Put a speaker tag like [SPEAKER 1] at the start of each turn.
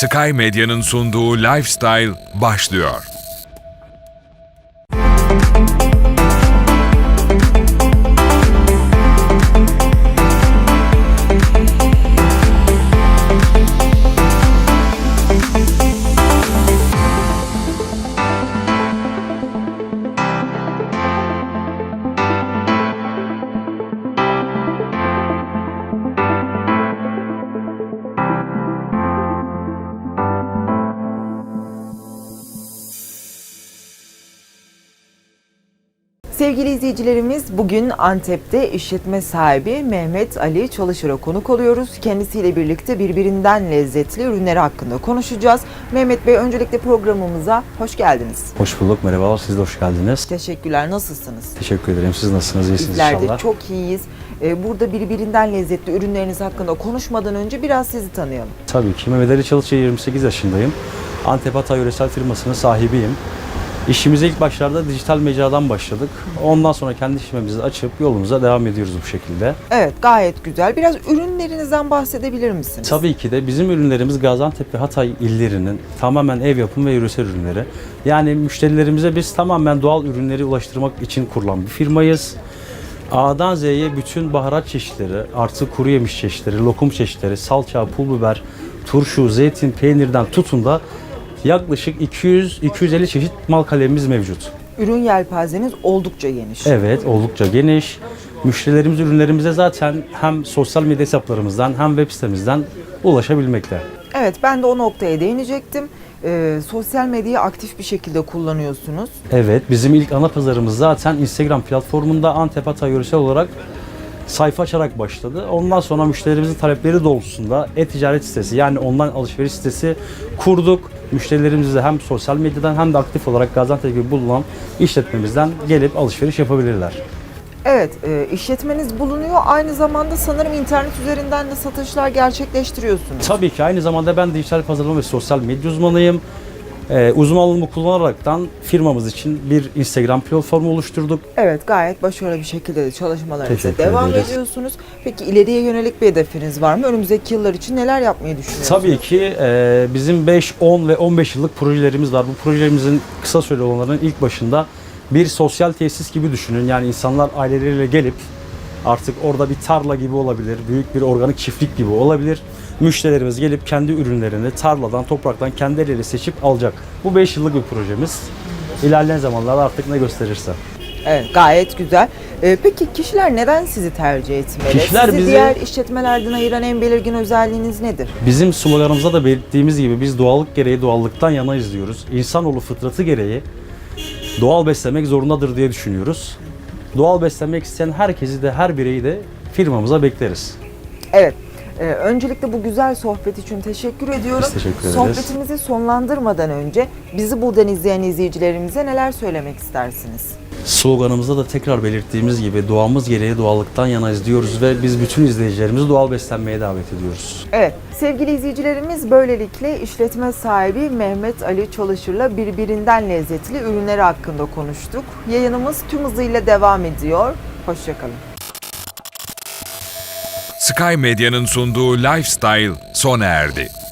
[SPEAKER 1] Sky Medya'nın sunduğu Lifestyle başlıyor.
[SPEAKER 2] Sevgili izleyicilerimiz, bugün Antep'te işletme sahibi Mehmet Ali Çalışır'a konuk oluyoruz. Kendisiyle birlikte birbirinden lezzetli ürünleri hakkında konuşacağız. Mehmet Bey, öncelikle programımıza hoş geldiniz.
[SPEAKER 3] Hoş bulduk, merhabalar. Siz de hoş geldiniz.
[SPEAKER 2] Teşekkürler, nasılsınız?
[SPEAKER 3] Teşekkür ederim. Siz nasılsınız? İyisiniz
[SPEAKER 2] Bizler
[SPEAKER 3] inşallah.
[SPEAKER 2] de çok iyiyiz. Burada birbirinden lezzetli ürünleriniz hakkında konuşmadan önce biraz sizi tanıyalım.
[SPEAKER 3] Tabii ki. Mehmet Ali Çalışır, 28 yaşındayım. Antep Hatay Yöresel firmasının sahibiyim. İşimize ilk başlarda dijital mecradan başladık. Ondan sonra kendi işlemimizi açıp yolumuza devam ediyoruz bu şekilde.
[SPEAKER 2] Evet, gayet güzel. Biraz ürünlerinizden bahsedebilir misiniz?
[SPEAKER 3] Tabii ki de bizim ürünlerimiz Gaziantep ve Hatay illerinin tamamen ev yapımı ve yöresel ürünleri. Yani müşterilerimize biz tamamen doğal ürünleri ulaştırmak için kurulan bir firmayız. A'dan Z'ye bütün baharat çeşitleri, artı kuru yemiş çeşitleri, lokum çeşitleri, salça, pul biber, turşu, zeytin, peynirden tutun da yaklaşık 200-250 çeşit mal kalemimiz mevcut.
[SPEAKER 2] Ürün yelpazeniz oldukça geniş.
[SPEAKER 3] Evet, oldukça geniş. Müşterilerimiz ürünlerimize zaten hem sosyal medya hesaplarımızdan hem web sitemizden ulaşabilmekte.
[SPEAKER 2] Evet, ben de o noktaya değinecektim. Sosyal medyayı aktif bir şekilde kullanıyorsunuz.
[SPEAKER 3] Evet, bizim ilk ana pazarımız zaten Instagram platformunda Antep Hatay Yöresel olarak sayfa açarak başladı. Ondan sonra müşterilerimizin talepleri doğrultusunda e-ticaret sitesi, yani online alışveriş sitesi kurduk. Müşterilerimiz de hem sosyal medyadan hem de aktif olarak Gaziantep gibi bulunan işletmemizden gelip alışveriş yapabilirler.
[SPEAKER 2] Evet, işletmeniz bulunuyor. Aynı zamanda sanırım internet üzerinden de satışlar gerçekleştiriyorsunuz.
[SPEAKER 3] Tabii ki aynı zamanda ben dijital pazarlama ve sosyal medya uzmanıyım. Uzmanlığımı kullanaraktan firmamız için bir Instagram platformu oluşturduk.
[SPEAKER 2] Evet, gayet başarılı bir şekilde de çalışmalarınıza
[SPEAKER 3] Teşekkür
[SPEAKER 2] devam
[SPEAKER 3] ederiz.
[SPEAKER 2] ediyorsunuz. Peki ileriye yönelik bir hedefiniz var mı? Önümüzdeki yıllar için neler yapmayı düşünüyorsunuz?
[SPEAKER 3] Tabii ki bizim 5, 10 ve 15 yıllık projelerimiz var. Bu projelerimizin kısa süreli olanların ilk başında bir sosyal tesis gibi düşünün. Yani insanlar aileleriyle gelip artık orada bir tarla gibi olabilir, büyük bir organik çiftlik gibi olabilir. Müşterilerimiz gelip kendi ürünlerini tarladan, topraktan kendi elleriyle seçip alacak. Bu 5 yıllık bir projemiz. İlerleyen zamanlarda artık ne gösterirse.
[SPEAKER 2] Evet, gayet güzel. Peki kişiler neden sizi tercih etmeli?
[SPEAKER 3] Kişiler
[SPEAKER 2] Sizi
[SPEAKER 3] bizi-
[SPEAKER 2] diğer işletmelerden ayıran en belirgin özelliğiniz nedir?
[SPEAKER 3] Bizim sloganımızda da belirttiğimiz gibi biz doğallık gereği doğallıktan yanayız diyoruz. İnsanoğlu fıtratı gereği doğal beslemek zorundadır diye düşünüyoruz. Doğal beslenmek isteyen herkesi de, her bireyi de firmamıza bekleriz.
[SPEAKER 2] Evet. Öncelikle bu güzel sohbet için teşekkür ediyorum.
[SPEAKER 3] Biz teşekkür ederiz.
[SPEAKER 2] Sohbetimizi sonlandırmadan önce bizi buradan izleyen izleyicilerimize neler söylemek istersiniz?
[SPEAKER 3] Sloganımızda da tekrar belirttiğimiz gibi doğamız gereği doğallıktan yanayız diyoruz ve biz bütün izleyicilerimizi doğal beslenmeye davet ediyoruz.
[SPEAKER 2] Evet, sevgili izleyicilerimiz, böylelikle işletme sahibi Mehmet Ali Çalışır'la birbirinden lezzetli ürünleri hakkında konuştuk. Yayınımız tüm hızıyla devam ediyor. Hoşçakalın.
[SPEAKER 1] Sky Medya'nın sunduğu Lifestyle sona erdi.